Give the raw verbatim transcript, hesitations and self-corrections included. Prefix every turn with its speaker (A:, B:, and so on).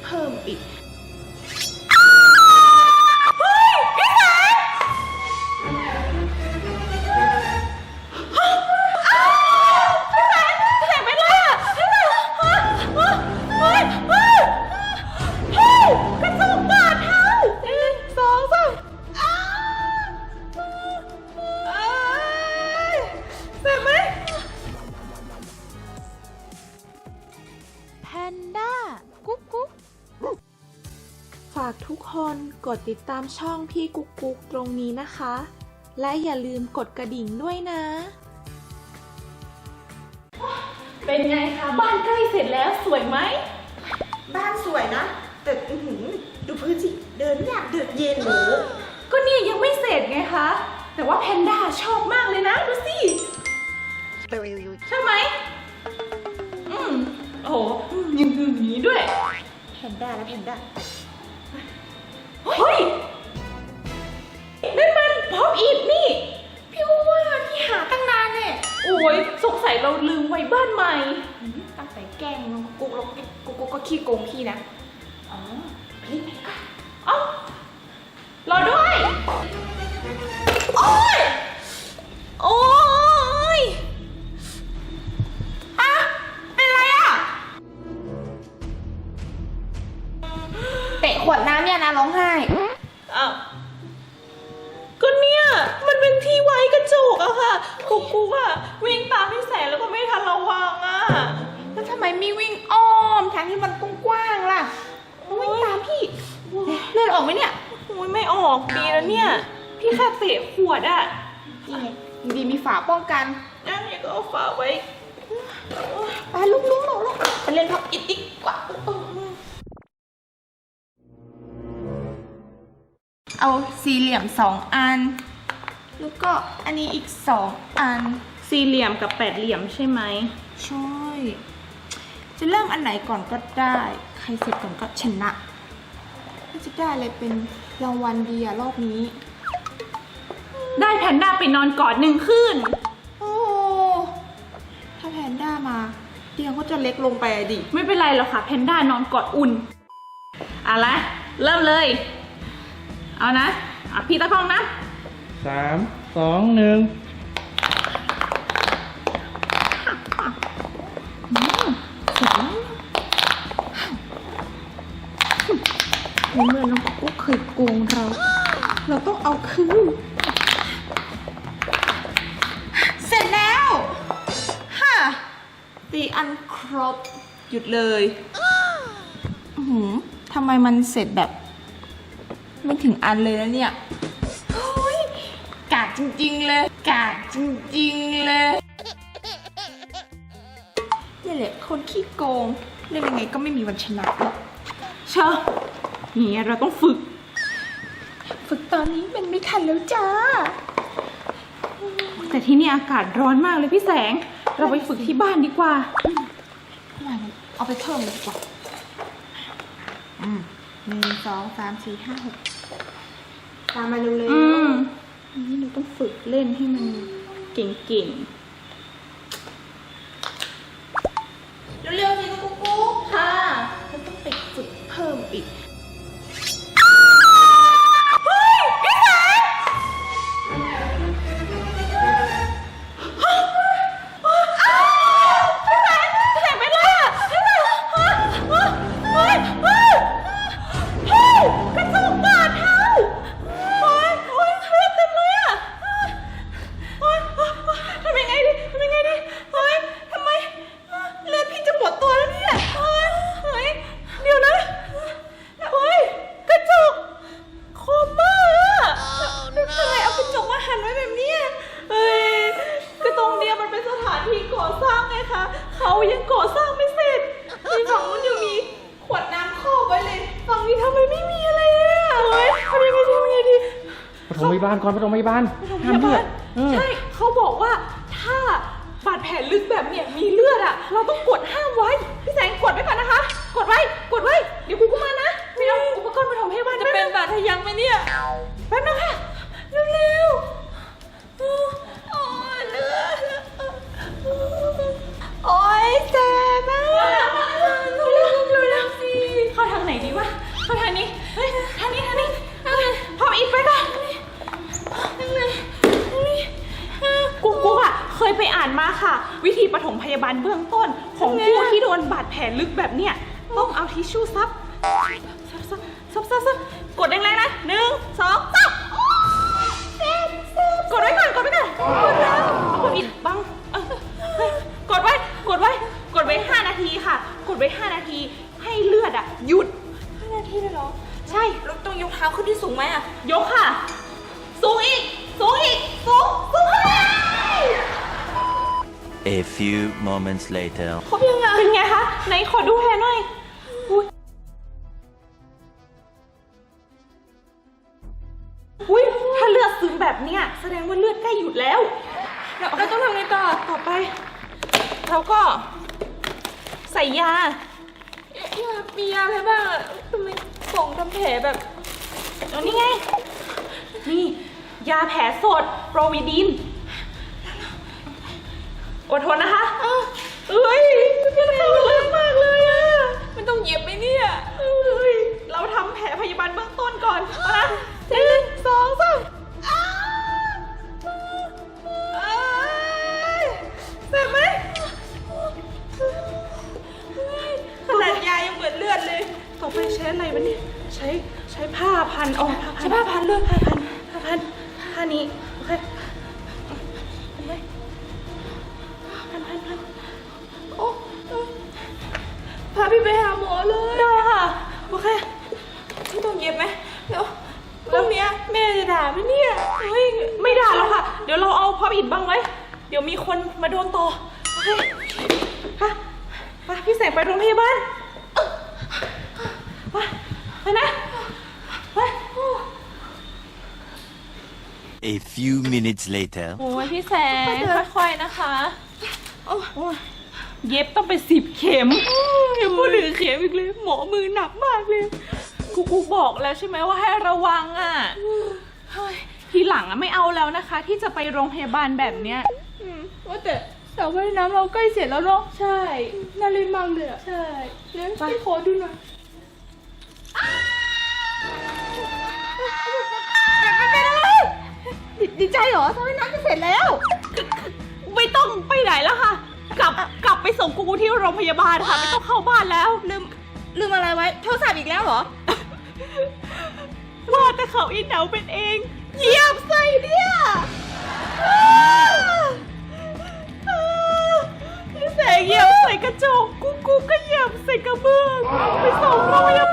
A: เพิ่มอีกฝากทุกคนกดติดตามช่องพี่กุ๊กกุ๊กตรงนี้นะคะ และอย่าลืมกดกระดิ่งด้วยนะ
B: เป็นไงคะบ้านใกล้เสร็จแล้วสวยไหม
A: บ้านสวยนะแต่ดูพื้นสิเดินยากเดินเย็นหนู
B: ก็เนี่ยยังไม่เสร็จไงคะแต่ว่าแพนด้าชอบมากเลยนะดูสิใช่ไหมอืมโอ้โหยังยืนอย่างนี้ด้วย
A: แพนด้าและแพนด้า
B: เฮ้ยนั่นมันพร้อมอีกนี่พี่ว่าพี่หาตั้งนานเนี่ยโอ้ยสงสัยเราลืมไว้บ้านใหม่
A: ตั้งแต่แกล้งกุ๊กแล้วกุ๊กก็ขี้โกงพี่นะ
B: อ๋อรีบไปก่อนเอ้ารอด้วยโอ้ยโอ้ยอะเป็นไรอะ
A: เตะขวดน้ำเนี่ยนะร้องไห้
B: อ้าวก็เนี่ยมันเป็นที่ไว้กระจกอะค่ะกุ๊กกุ๊กอะวิ่งตามพี่แสนแล้วก็ไม่ทันระวังอะ
A: แล้วทำไมไม่วิ่งอ้อมทางที่มันกว้างๆล่ะวิ่งตามพี่เลือดออกไหมเนี่ย
B: โอ้ยไม่ออกดีแล้วเนี่ยพี่แค่เตะขวดอะ
A: นี่ไงดีมีฝาป้องกัน
B: งั้นอย่าก็เอาฝาไว้
A: ไปลุกลุกลุกลุกไปเล่นพับอิดอีกกว่าเอาสี่เหลี่ยมสองอันแล้วก็อันนี้อีกสองอัน
B: สี่เหลี่ยมกับแปดเหลี่ยมใช่ไหม
A: ใช่จะเริ่มอันไหนก่อนก็ได้ใครเสร็จก่อนก็ชนะจะได้อะไรเป็นรางวัลดีอะรอบนี้
B: ได้แพนด้าไปนอนกอดหนึ่งคืน
A: โอ้ถ้าแพนด้ามาเตียงก็จะเล็กลงไปดิ
B: ไม่เป็นไรหรอกค่ะแพนด้านอนกอดอุ่นเอาละเริ่มเลยเอานะอ่ะพี่ตะคองนะ
C: สามสองหนึ่ง
A: ในเมื่อน้องกุ๊กเคยโกงเราเราต้องเอาคืนเสร็จแล้วฮ่าตีอันครบหยุดเลยหืมทำไมมันเสร็จแบบไม่ถึงอันเลยนะเนี่ยเฮ้ยกากจริงๆเลยกากจริงๆเลยนี่แหละคนขี้โกงเล่นยังไงก็ไม่มีวันชนะหรอก
B: เชอะนี่เราต้องฝึก
A: ฝึกตอนนี้มันไม่ทันแล้วจ้า
B: แต่ที่นี่อากาศร้อนมากเลยพี่แสงเราไปฝึกที่บ้านดีกว่า
A: เอาไปเพิ่มเลยดีกว่าอืมหนึ่งสองสามสี่ห้าหกตามมาเร็วๆ
B: อืมนี่เราต้องฝึกเล่นให้มันเก่ง
A: ๆเร็วๆสิกุ๊กกุ๊ก
B: ค่ะ
A: เราต้องไปฝึกเพิ่มอีก
B: เขายังก่อสร้างไม่เสร็จในฝั่งนู้นยังมีขวดน้ำครอบไว้เลยฝั่งนี้ทำไมไม่มีอะไรเลยอ่ะเฮ้ยทำยังไงดีทำยังไงดี
C: ปฐมพยาบาลก่อนปฐมพยาบาล
B: ห้ามเลือดใช่เขาบอกว่าถ้าบาดแผลลึกแบบเนี้ยมีเลือดอ่ะเราต้องกดห้ามไว้พี่แสงกดไว้ก่อนนะคะกดไว้กดไว้เดี๋ยวกูก็มานะไม่เอาอุปกรณ์ปฐมพยาบาลจะเป็นบาดทะยักไหมเนี่ยแป๊บนึงค่ะเร็วๆโอ้ยเลือดโอ้ยเจ็บมากเร็วๆสิเข้าทางไหนดีปฐมพยาบาลเบื้องต้นของผู้ที่โดนบาดแผลลึกแบบเนี้ยต้องเอาทิชชู่ซับซับซับซับซับซับกดแรงๆนะหนึ่งสองสามกดไว้ก่อนกดไว้ก่อนกดแล้วเอาคนอีกบังเออกดไว้กดไว้กดไว้ห้านาทีค่ะ กดไว้ห้านาทีให้เลือดอ่ะหยุด
A: ห้านาทีเลยเหรอ
B: ใช่
A: เราต้องยกเท้าขึ้นที่สูงไหมอะ
B: ยกค่ะ สูงอีก สูงอีก สูง สูงขึ้นไป
D: A few moments later.
B: ครบยังไงเป็นไงคะไหนขอดูแผลหน่อยอุ้ยอุ้ยถ้าเลือดซึมแบบเนี้ยแสดงว่าเลือดใกล้หยุดแล้ว
A: เราเราต้องทำไงต่อ
B: ต่อไป เราก็ใส่ยา
A: ยามียาอะไรบ้างอะทำไมส่งทำแผลแบบ
B: เอานี่ไง นี่ ยาแผลสดโปรวิดิน อดทนนะคะเอ้ยมันเข้าลึกมากเลยอะ
A: มันต้องเย็บไหมเนี่ย
B: เอ้ย เราทำแผลพยาบาลเบื้องต้นก่อนนะหนึ่งสองสามอ้าวเอ้ยเจ็บไหม
A: ขนาดยายังเหมือนเลือดเลย
B: ต่อไปใช้อะไรวะเนี่ยใช้ใช้ผ้าพันอ๋อผ้าพัน
A: ใช้ผ้าพันเลย
B: ผ้าพันผ้าพันผ้านี้โอเคโอเคพันพันพัน
A: โอ้พาพี่ไปหาหมอเลย
B: ได้ค่ะโอเค
A: ไม่ต้องเย็บไหมเดี๋ยวพรุ่งนี้แม่จะด่าไหมเนี่ย
B: เฮ้ยไม่ด่าแล้วค่ะ เดี๋ยวเราเอาพออิดบังไว้ เดี๋ยวมีคนมาโดนต่อโอเคค่ะไปพี่แสงไปโรงพยาบาลไปไปนะไป
D: A few minutes later.
B: โอ้ยพี่แสงค่อยๆนะคะโอ้ยเย็บต้องไปสิบเข็มยังพูดถึงเข็มอีกเลยหมอมือหนักมากเลยครูครูบอกแล้วใช่ไหมว่าให้ระวังอ่ะเฮ้ยทีหลังอ่ะไม่เอาแล้วนะคะ ที่จะไปโรงพยาบาลแบบเนี้ย
A: อืมว่าแต่สระว่ายน้ำเราใกล้เสร็จแล้วเนาะ
B: ใช่
A: น่าเล่นมากเลยอะ
B: ใช่
A: เดี๋ยวพี่ขอดูหน่อยดีดีใจเหรอสระว่ายน้ำจะเสร็จแล้ว
B: ไม่ต้องไปไหนแล้วค่ะ กลับกลับไปส่งครูที่โรงพยาบาลค่ะไม่ต้องเข้าบ้านแล้ว
A: ลืมลืมอะไรไว้โทรศัพท์อีกแล้วเหรอ
B: ว่าแต่เขาอินเหนาเป็นเองเหยียบใส่เนี่ยพี่แสงเหยียบใส่กระจกกูกูก็เหยียบใส่กระเบื้องไปส่งโรงพยา